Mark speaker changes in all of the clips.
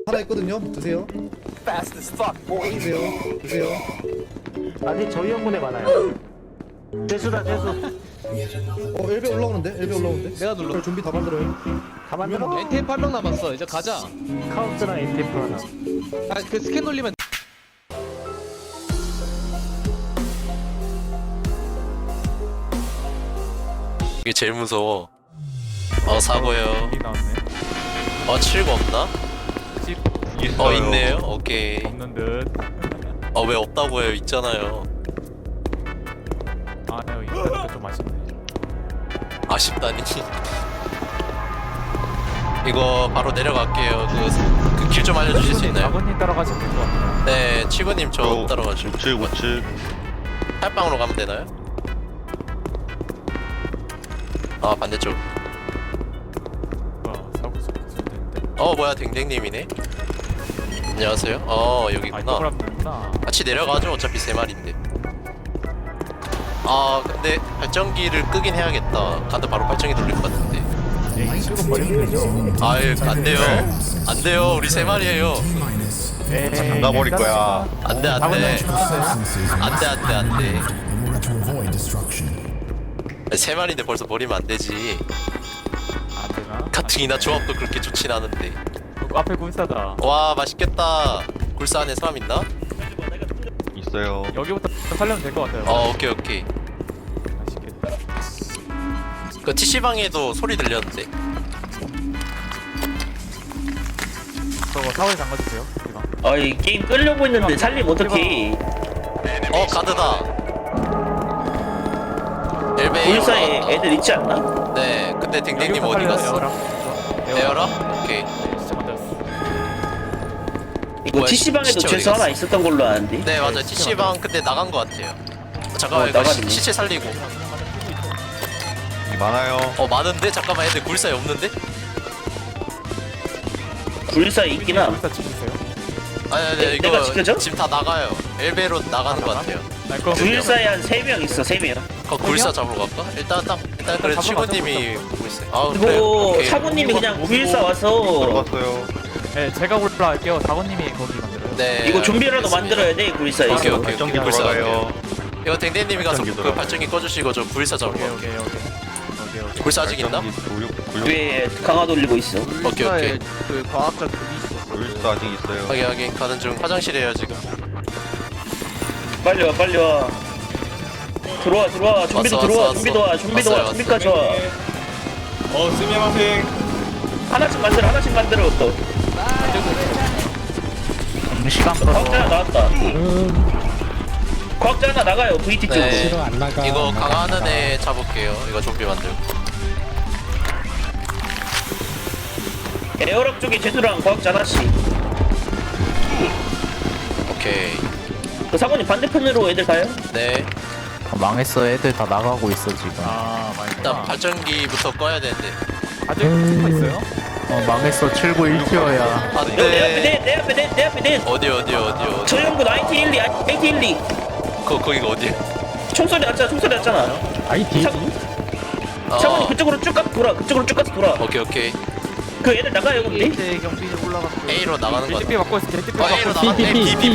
Speaker 1: 하나 있거든요. 드세요. 드세요.
Speaker 2: 아직 저희 형군에 많아요. 재수다 재수.
Speaker 1: 엘베 올라오는데? 엘베 올라오는데?
Speaker 3: 내가 눌러.
Speaker 1: 준비 다 만들어요.
Speaker 2: 다 만들어.
Speaker 3: NTF 8명 남았어. 이제 가자.
Speaker 2: 카우스랑 NTF 하나.
Speaker 3: 아, 그 스캔 돌리면
Speaker 4: 이게 제일 무서워. 사고요.
Speaker 5: 이 나왔네.
Speaker 4: 7구 없나?
Speaker 5: 집
Speaker 4: 있네요. 오케이.
Speaker 5: 없는 듯.
Speaker 4: 왜 없다고 해요? 있잖아요.
Speaker 5: 아, 여기 있다니까 좀 아쉽네.
Speaker 4: 아쉽다니. 이거 바로 내려갈게요. 그 길 좀 알려주실 수 있나요?
Speaker 5: 아버님 따라가시면 될 것 같아요.
Speaker 4: 네, 치구님 저 따라가시고.
Speaker 6: 우측
Speaker 4: 탈방으로 가면 되나요? 반대쪽.
Speaker 5: 사고 있었는데.
Speaker 4: 뭐야, 댕댕님이네. 안녕하세요.
Speaker 5: 아,
Speaker 4: 여기구나.
Speaker 5: 이쪽으로 하면 되는구나.
Speaker 4: 같이 내려가죠. 어차피 3마리인데. 근데 발전기를 끄긴 해야겠다. 가드 바로 발전기 돌릴 것 같은데.
Speaker 5: 에이, 치고 버리면 되죠.
Speaker 4: 안 돼요. 안 돼요. 우리 3마리예요.
Speaker 5: 에이,
Speaker 6: 잠가버릴 거야.
Speaker 4: 안 돼. 안 돼. 3마리인데 벌써 버리면 안 되지.
Speaker 5: 안 되나?
Speaker 4: 가뜩이나 조합도 그렇게 좋진 않은데.
Speaker 5: 앞에 굴사다.
Speaker 4: 와, 맛있겠다. 굴사 안에 사람 있나?
Speaker 6: 있어요.
Speaker 5: 여기부터 살려면 될 것 같아요.
Speaker 4: 오케이.
Speaker 5: 맛있겠다.
Speaker 4: 그 TC방에도 소리 들렸는데.
Speaker 5: 저거 사거리 잠가주세요. 이거.
Speaker 7: 이 게임 끌려고 했는데 살림 어떡해.
Speaker 4: 가드다. 엘베
Speaker 7: 불사에 애들 있지 않나?
Speaker 4: 네, 근데 댕댕님
Speaker 5: 여기부터
Speaker 4: 어디
Speaker 5: 살려요,
Speaker 4: 갔어?
Speaker 5: 에어라.
Speaker 4: 에어라? 오케이.
Speaker 5: 네, 진짜 만들었어.
Speaker 7: 이거
Speaker 4: 뭐야,
Speaker 7: TC방에도
Speaker 4: 시체
Speaker 7: 죄수
Speaker 4: 어디
Speaker 7: 하나
Speaker 4: 갔어?
Speaker 7: 있었던 걸로 아는데.
Speaker 4: 네, 맞아요. TC방 근데 나간 것 같아요. 잠깐만, 이거
Speaker 7: 나가네.
Speaker 4: 시체 살리고.
Speaker 6: 많아요.
Speaker 4: 많은데? 잠깐만, 애들 굴사에 없는데?
Speaker 7: 불사에 있긴 함.
Speaker 5: 불사 치주세요.
Speaker 4: 아니,
Speaker 7: 내가
Speaker 4: 이거
Speaker 7: 지켜줘?
Speaker 4: 지금 다 나가요. 엘베로 나가는 것 같아요.
Speaker 5: 날 거.
Speaker 7: 불사에 한 3명 있어, 3명.
Speaker 4: 굴사 잡으러 갈까? 일단 그래
Speaker 5: 잡으러
Speaker 4: 치고님이 보고 있어요.
Speaker 7: 이거
Speaker 4: 그래, 오케이.
Speaker 7: 사부님이 그냥 불사 와서
Speaker 6: 들어갔어요.
Speaker 5: 네, 제가 올라갈게요. 다원님이 거기 만들어요.
Speaker 4: 네.
Speaker 7: 이거 좀비라도
Speaker 4: 알겠습니다.
Speaker 7: 만들어야 돼, 불사에서.
Speaker 4: 오케이.
Speaker 6: 발전기
Speaker 4: 굴사
Speaker 6: 돌아가요.
Speaker 4: 갈게요. 이거 댕댕님이 가서
Speaker 6: 발전기
Speaker 4: 그
Speaker 6: 돌아가요.
Speaker 4: 발전기 꺼주시고 저 굴사 잡으러
Speaker 5: 오케이.
Speaker 4: 갈게요. 굴사 아직 있나?
Speaker 7: 위에 강화 돌리고 있어.
Speaker 4: 오케이.
Speaker 3: 그 과학자 그게 있어.
Speaker 6: 불사 아직 있어요.
Speaker 4: 확인 가는 중. 화장실에요 지금.
Speaker 7: 빨리 와. 들어와. 좀비도
Speaker 4: 왔어,
Speaker 7: 들어와.
Speaker 4: 왔어.
Speaker 7: 좀비도 와.
Speaker 4: 왔어요.
Speaker 7: 좀비까지 와. 하나씩 만들어. 또.
Speaker 2: 시간
Speaker 7: 과학자 하나 나왔다. 과학자 하나 나가요. VT 쪽으로.
Speaker 4: 네. 이거 강화하는 애 잡을게요. 이거 좀비 만들고.
Speaker 7: 에어락 쪽에 제수랑 과학자 하나씩.
Speaker 4: 오케이.
Speaker 7: 그 사모님 반대편으로 애들 가요?
Speaker 4: 네.
Speaker 8: 망했어. 애들 다 나가고 있어 지금.
Speaker 5: 많이
Speaker 4: 일단 발전기부터 꺼야 되는데.
Speaker 5: 아직 스파 있어요?
Speaker 8: 망했어. 79 1티어야.
Speaker 4: 안돼.
Speaker 7: 내 앞에 넷.
Speaker 4: 어디.
Speaker 7: 저 형군 IT12.
Speaker 4: 거기가 어디?
Speaker 7: 총소리 났잖아.
Speaker 2: IT?
Speaker 7: 사모님 그쪽으로 쭉 가서 돌아.
Speaker 4: 오케이.
Speaker 7: 그 애들 나가요 근데?
Speaker 3: 이제 경비 올라갔고.
Speaker 4: A로 나가는 거.
Speaker 5: TP 받고 있어. TP 받고
Speaker 4: A로
Speaker 5: 있어.
Speaker 4: 나가. B.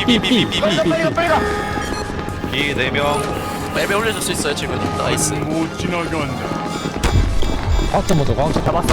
Speaker 6: 이 4명.
Speaker 4: 맵에 올려줄 수 있어요 지금. 나이스.
Speaker 2: 과학자 먼저 과학자.
Speaker 5: 잡았어.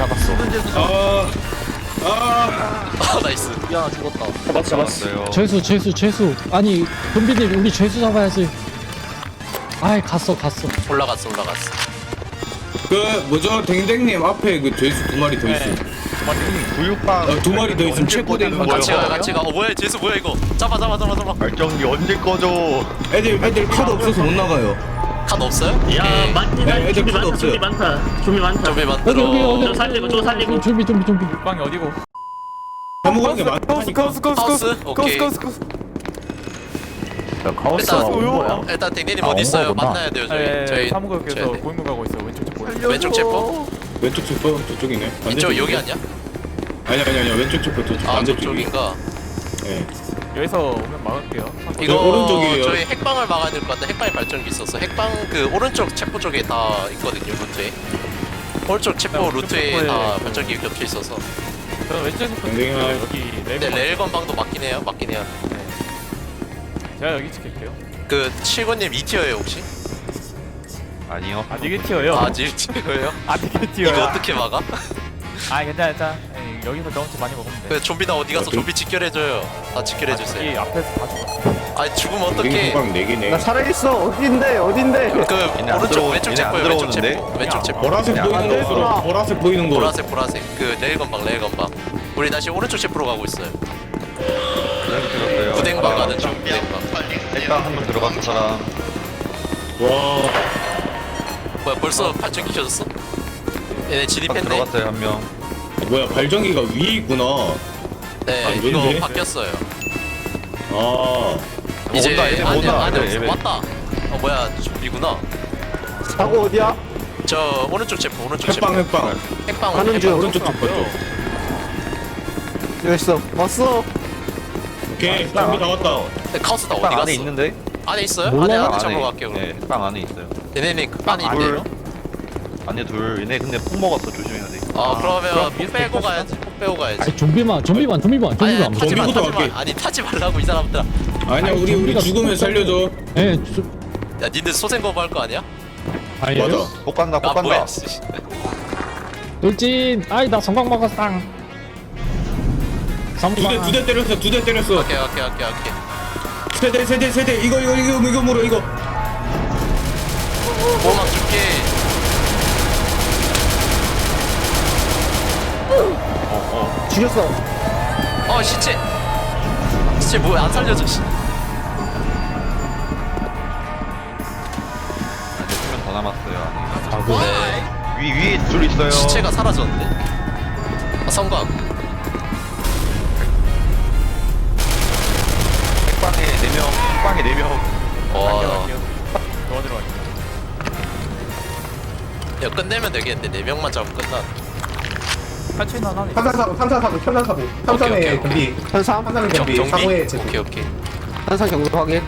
Speaker 4: 나이스.
Speaker 3: 야, 죽었다.
Speaker 7: 잡았어.
Speaker 6: 잡았어요.
Speaker 2: 죄수. 아니, 좀비님 우리 죄수 잡아야지. 아이, 갔어.
Speaker 4: 올라갔어.
Speaker 9: 그 뭐죠 댕댕님 앞에 그 돼지 2마리 더 있어.
Speaker 6: 구육방.
Speaker 9: 2마리 더 있으면 체포된 거.
Speaker 4: 같이 가. 뭐야 제수 뭐야 이거. 잡아.
Speaker 6: 발전기 언제 꺼져?
Speaker 9: 애들 카드 없어서 못 나가요.
Speaker 4: 칸 없어요?
Speaker 7: 야
Speaker 4: 오케이.
Speaker 7: 많다.
Speaker 9: 애들 카드 없어요.
Speaker 7: 좀비 많다.
Speaker 4: 좀비 만들어.
Speaker 2: 여기.
Speaker 7: 저거 살리고.
Speaker 2: 좀비.
Speaker 5: 방이 어디고?
Speaker 9: 잘못한 게 많아.
Speaker 4: 하우스? 오케이.
Speaker 8: 카오스 뭐야?
Speaker 4: 일단 댕댕님
Speaker 8: 아,
Speaker 4: 어디 있어요?
Speaker 8: 온거구나.
Speaker 4: 만나야 돼요
Speaker 5: 네,
Speaker 4: 저희.
Speaker 5: 사무국에서
Speaker 4: 저희
Speaker 5: 고인물 가고 있어. 왼쪽 쪽 보여.
Speaker 4: 왼쪽 체포?
Speaker 9: 왼쪽 체포 저쪽이네.
Speaker 4: 이쪽
Speaker 9: 반대쪽이네.
Speaker 4: 여기 아니야?
Speaker 9: 아니야 왼쪽 체포 저쪽 반대쪽이.
Speaker 4: 저쪽인가?
Speaker 9: 네.
Speaker 5: 여기서 오면 막을게요.
Speaker 4: 이거
Speaker 9: 오른쪽이에요.
Speaker 4: 저희 핵방을 막아야 될 것 같아. 핵방에 발전기 있어서 핵방 그 오른쪽 체포 쪽에 다 있거든요 루트에. 오른쪽 체포
Speaker 5: 네, 오른쪽
Speaker 4: 루트에
Speaker 5: 체포에
Speaker 4: 다
Speaker 5: 그-
Speaker 4: 발전기 겹쳐 있어서.
Speaker 5: 저는 왼쪽에서
Speaker 9: 댕댕아.
Speaker 5: 여기
Speaker 4: 네,
Speaker 5: 레벨
Speaker 4: 레일 건방도 맞긴 해요. 맞긴 해요.
Speaker 5: 제가 여기 지킬게요.
Speaker 4: 그 7구님 2티어예요 혹시?
Speaker 6: 아니요.
Speaker 5: 아 니게 티어요?
Speaker 4: 아 1티어예요?
Speaker 5: 아 니게 티어요?
Speaker 4: 이거 어떻게 막아?
Speaker 5: 아 괜찮아. 에이, 여기서 경험치 많이 먹으면 돼.
Speaker 4: 그 좀비 나 어디 가서 좀비 직결해줘요. 다 직결해주세요.
Speaker 5: 여기 앞에서 다 죽었어.
Speaker 4: 아니 죽으면
Speaker 9: 댕댕이
Speaker 4: 어떡해.
Speaker 9: 후방 4개네.
Speaker 1: 살아있어. 어딘데? 어딘데?
Speaker 4: 그
Speaker 6: 얘네 안
Speaker 4: 오른쪽
Speaker 6: 들어오-
Speaker 4: 왼쪽
Speaker 6: 얘네 안
Speaker 4: 체포요. 왼쪽
Speaker 6: 들어오는데?
Speaker 4: 체포. 왼쪽 체포.
Speaker 9: 보라색
Speaker 6: 야,
Speaker 9: 보이는
Speaker 6: 안
Speaker 9: 곳으로 보라색 보이는 곳.
Speaker 4: 보라색 그 레일 건방 레일 건방. 우리 다시 오른쪽 체포로 가고 있어요.
Speaker 6: 그냥 들었어요.
Speaker 4: 구댕방 가는 중. 구댕방.
Speaker 6: 일단 한 명 들어갔어 사람.
Speaker 9: 와.
Speaker 4: 뭐야 벌써 발전기 켜졌어? 얘네
Speaker 6: 딱
Speaker 4: 진입했네.
Speaker 6: 들어갔어요 한 명.
Speaker 9: 뭐야 발전기가 위에 있구나.
Speaker 4: 네
Speaker 9: 안
Speaker 4: 이거
Speaker 9: 되는데?
Speaker 4: 바뀌었어요.
Speaker 9: 아.
Speaker 4: 이제
Speaker 6: 온다, 얘네
Speaker 4: 안에
Speaker 6: 온다,
Speaker 4: 안에
Speaker 6: 얘네.
Speaker 4: 왔다. 뭐야 좀비구나.
Speaker 1: 사고 어디야?
Speaker 4: 저 오른쪽 체포 오른쪽 체포.
Speaker 9: 핵방.
Speaker 4: 핵방
Speaker 1: 가는
Speaker 4: 핵방.
Speaker 1: 중.
Speaker 9: 오른쪽 쪽 쪽.
Speaker 1: 여기 있어. 왔어.
Speaker 9: 오케이. 좀비 다 왔다.
Speaker 4: 네, 카우스다 어디
Speaker 6: 빵
Speaker 4: 갔어?
Speaker 6: 안에 있는데?
Speaker 4: 안에 있어요?
Speaker 2: 몰라요?
Speaker 4: 안에 잡으러 갈게요.
Speaker 6: 네, 빵 안에 있어요.
Speaker 4: 얘네는 안에 있네요.
Speaker 6: 안에 둘. 얘네 근데 폭 먹었어 조심해야 돼.
Speaker 4: 아 그러면 폭 빼고 가야지. 폭 빼고 가야지.
Speaker 2: 아니 좀비만
Speaker 4: 아니
Speaker 2: 안
Speaker 4: 타지 마
Speaker 9: 좀비부터
Speaker 4: 타지 마.
Speaker 9: 갈게.
Speaker 4: 아니 타지 말라고 이 사람들아.
Speaker 9: 아니야
Speaker 2: 아니,
Speaker 9: 우리
Speaker 2: 좀비가
Speaker 9: 죽으면 살려줘.
Speaker 2: 예,
Speaker 4: 야 니들 소생 거부할 거 아니야?
Speaker 2: 아니에요?
Speaker 9: 맞아.
Speaker 6: 폭 간다 폭
Speaker 4: 아
Speaker 6: 간다.
Speaker 4: 뭐야?
Speaker 2: 돌진. 아이 나 성광 먹었어. 성광.
Speaker 9: 두 대 때렸어. 두 대 때렸어.
Speaker 4: 오케이.
Speaker 9: 세대. 이거 물어 이거.
Speaker 4: 보호막 줄게.
Speaker 1: 죽였어.
Speaker 4: 시체 뭐야 안 살려줘. 씨.
Speaker 6: 안에 수면 더 남았어요. 안에.
Speaker 4: 네.
Speaker 6: 위에 둘 있어요.
Speaker 4: 시체가 사라졌는데. 성광.
Speaker 6: 핵방에 4명. 핵방에 4명.
Speaker 4: 와.
Speaker 5: 도와드려 갈게요.
Speaker 4: 야 끝내면 되겠는데 4명만 잡으면 끝나.
Speaker 5: 탈출인 하나 있어.
Speaker 1: 탐사사고.
Speaker 4: 오케이.
Speaker 1: 경비. 현상
Speaker 4: 경비?
Speaker 1: 사고에 제고.
Speaker 4: 오케이.
Speaker 1: 현상 경비 확인.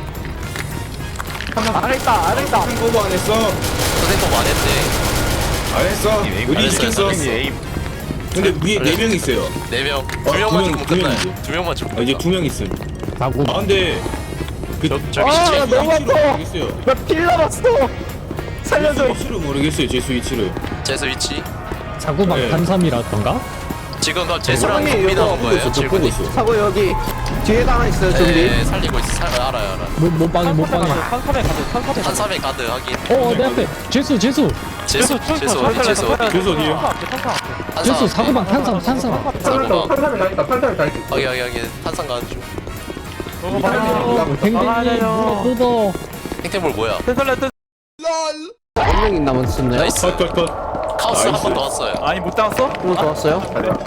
Speaker 1: 안에 있다.
Speaker 9: 거부 안 했어.
Speaker 4: 소생 거부 안 했네.
Speaker 9: 안 했어.
Speaker 4: 안
Speaker 9: 우리
Speaker 4: 했어요,
Speaker 9: 시켰어.
Speaker 4: 안 했어.
Speaker 6: 에임.
Speaker 9: 근데 위에 4명 있어요.
Speaker 4: 4명.
Speaker 9: 두
Speaker 4: 2명만
Speaker 9: 명,
Speaker 4: 죽으면
Speaker 9: 두
Speaker 4: 끝나요.
Speaker 9: 명이지.
Speaker 4: 2명만 죽으면
Speaker 9: 아, 이제
Speaker 4: 끝나.
Speaker 9: 2명 있음.
Speaker 2: 사고.
Speaker 9: 아 근데
Speaker 4: 저기 시체 있구나.
Speaker 1: 너무 아파.
Speaker 9: 모르겠어요.
Speaker 1: 나필 남았어. 살려줘.
Speaker 9: 위치를 모르겠어요. 제수 위치를.
Speaker 4: 제수 위치.
Speaker 2: 사고방
Speaker 9: 네.
Speaker 2: 탄삼이라던가?
Speaker 4: 지금 그럼 제수랑
Speaker 1: 사장님,
Speaker 4: 좀비
Speaker 1: 이거
Speaker 4: 나온
Speaker 9: 보고
Speaker 4: 거예요?
Speaker 9: 있어. 저 보고
Speaker 4: 질문이.
Speaker 9: 있어.
Speaker 1: 사고 여기 뒤에도 하나 있어요. 좀비.
Speaker 4: 네, 살리고 있어. 알아요.
Speaker 2: 못방이.
Speaker 4: 한삼에 가드 하긴.
Speaker 2: 내 앞에. 제수.
Speaker 4: 제수 어디?
Speaker 9: 제수 어디에요?
Speaker 2: 제수 사고방 탄삼.
Speaker 4: 사고방.
Speaker 1: 탄산을 다 있다.
Speaker 4: 여기 탄산 가는 중.
Speaker 2: 댕댕이 물어 뜯어.
Speaker 4: 탱탱볼 뭐야?
Speaker 1: 몇 명이 남았었나요?
Speaker 4: 나이스.
Speaker 9: 컷.
Speaker 4: 카우스 한
Speaker 9: 나이스.
Speaker 4: 번 더 왔어요.
Speaker 5: 아니 못 잡았어?
Speaker 1: 한번 더 왔어요?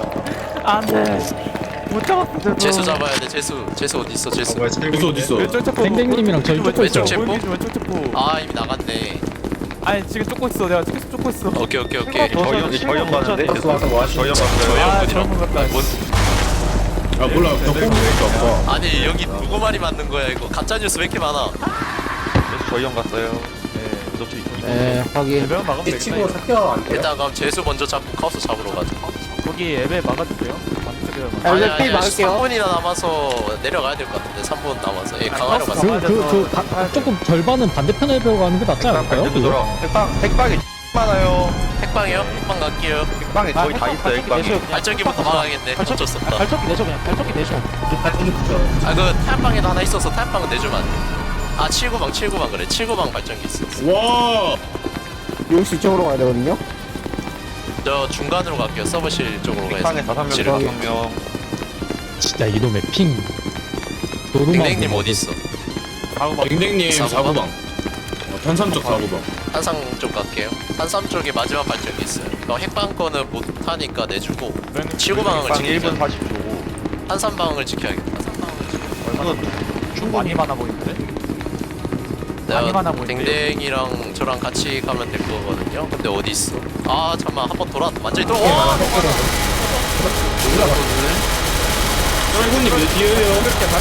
Speaker 5: 안돼. 못 잡았어.
Speaker 4: 제수 잡아야 돼. 제수 어디 있어? 제수.
Speaker 9: 제수 어딨어?
Speaker 5: 왼쪽 체포.
Speaker 2: 댕댕님이랑 저희 쫓고 있어요.
Speaker 4: 왼쪽 체포?
Speaker 5: 왼쪽 체포.
Speaker 4: 아 이미 나갔네.
Speaker 5: 아니 지금 쫓고 있어. 내가 계속 쫓고 있어.
Speaker 4: 오케이.
Speaker 6: 저형 가는데?
Speaker 1: 왔어.
Speaker 6: 저형 갔어요.
Speaker 4: 저희
Speaker 5: 아
Speaker 4: 형분이랑.
Speaker 5: 저런 것 같다.
Speaker 9: 아 몰라. 나 뽑으니까 아파.
Speaker 4: 아니 여기 누구 말이 맞는 거야 이거? 가짜 뉴스 왜 이렇게 많아?
Speaker 6: 그래서 저형 갔어요.
Speaker 1: 네, 확인.
Speaker 5: 에베 막으면 되겠다.
Speaker 1: 사켜 안
Speaker 4: 일단 그럼 제수 먼저 잡고 카우스 잡으러 가자.
Speaker 5: 거기 에베 막아주세요. 반대쪽에 막.
Speaker 1: 아, 이제 피 막을게요.
Speaker 4: 3분이나 남아서 내려가야 될 것 같은데 3분 남아서 예 강화로 가자.
Speaker 2: 조금 절반은 반대편에 배우 가는 게 낫지 않을까요?
Speaker 6: 반대로 돌아. 핵방에 많아요.
Speaker 4: 핵방이요? 핵방 갈게요.
Speaker 6: 핵방에 거의 다 있어요. 핵방에.
Speaker 4: 발전기부터 막아야겠네. 어쩔 수 없다.
Speaker 5: 발전기 내줘 그냥. 발전기 내줘.
Speaker 4: 그 타협방에도 하나 있어서 타협방은 내주면 안 돼. 아 79방 그래. 79방 발전기 있어.
Speaker 9: 와.
Speaker 1: 용시 쪽으로 가야 되거든요.
Speaker 4: 저 중간으로 갈게요. 서버실 쪽으로
Speaker 6: 핵방에
Speaker 4: 가서
Speaker 6: 5명,
Speaker 4: 지르.
Speaker 6: 5명.
Speaker 2: 진짜 이놈의 핑. 노루만.
Speaker 4: 댕댕님 어디 있어?
Speaker 9: 댕댕님
Speaker 4: 사고방?
Speaker 9: 사고방. 탄삼 쪽 사고방.
Speaker 4: 한상 쪽 갈게요. 한삼 쪽에 마지막 발전기 있어요. 너 핵방 거는 못 하니까 내주고 79방을
Speaker 6: 핵방 1분
Speaker 4: 지키자.
Speaker 6: 40초고.
Speaker 4: 한삼방을 지켜야겠다.
Speaker 5: 좀 많이 많아 보이는데? 많이 많아 보이는데?
Speaker 4: 댕댕이랑 저랑 같이 가면 될 거거든요. 근데 어디 있어? 아 잠만 한번 돌아 완전히 돌아. 와!
Speaker 9: 사고님 몇 뒤에요?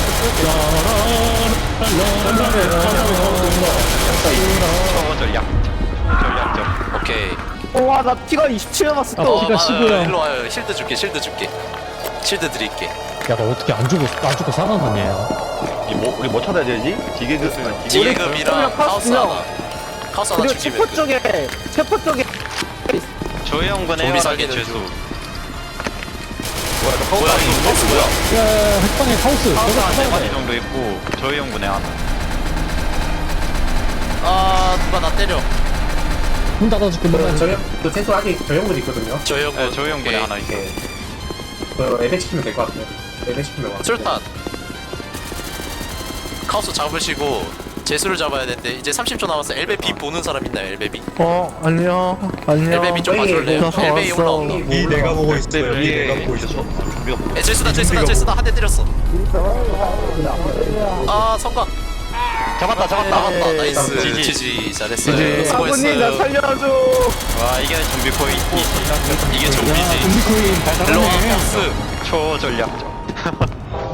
Speaker 6: 전략적.
Speaker 4: 오케이.
Speaker 1: 와, 나 피가 27 남았어 또.
Speaker 2: 피가 15야.
Speaker 4: 일로 와요. 실드 줄게. 실드 드릴게.
Speaker 2: 야, 너 어떻게 안 죽고 살아났냐?
Speaker 6: 우리 뭐 찾아야 되지? 지게급
Speaker 4: 지게금이랑 카우스 하나. 카우스 하나
Speaker 1: 그리고
Speaker 4: 죽이면 돼.
Speaker 1: 체포 쪽에
Speaker 6: 저희 형군
Speaker 4: 좀비 살리는
Speaker 6: 죄수.
Speaker 4: 중. 뭐야 이거 카우스 뭐야?
Speaker 2: 야, 핵방에 카우스.
Speaker 6: 카우스
Speaker 2: 저거
Speaker 6: 한
Speaker 2: 찾아야
Speaker 6: 4마리
Speaker 2: 돼.
Speaker 6: 정도 있고 저희 형군에 하나.
Speaker 4: 아 누가 나 때려.
Speaker 2: 문 닫아줄게, 문 닫아줄게.
Speaker 10: 그 최소 아직 저형분 있거든요.
Speaker 4: 저 형군.
Speaker 6: 네, 저희 형군에 하나 있어.
Speaker 10: 그 에베 시키면 될 것 같아요. 에베 시키면 와.
Speaker 4: 술탄. 카우스 잡으시고 제수를 잡아야 되는데 이제 30초 남았어. 엘베비 보는 사람 있나요? 엘베비?
Speaker 8: 안녕.
Speaker 4: 엘베비 좀 봐줄래요?
Speaker 8: 저
Speaker 4: 엘베비
Speaker 8: 왔어.
Speaker 4: 올라온다.
Speaker 6: 이 내가 보고 있어. 내가 보고 있어. 좀비가 보고.
Speaker 4: 제수다 한 대 때렸어. 아 성광.
Speaker 6: 잡았다.
Speaker 4: 나왔다. 나이스.
Speaker 6: 지지.
Speaker 4: 지지 잘했어요.
Speaker 1: 아버님 나
Speaker 4: 수고했어요.
Speaker 1: 살려줘.
Speaker 6: 와 이게 좀비 코인.
Speaker 4: 이게 좀비지.
Speaker 2: 좀비 코인
Speaker 4: 일로 와 카우스.
Speaker 6: 초전략적.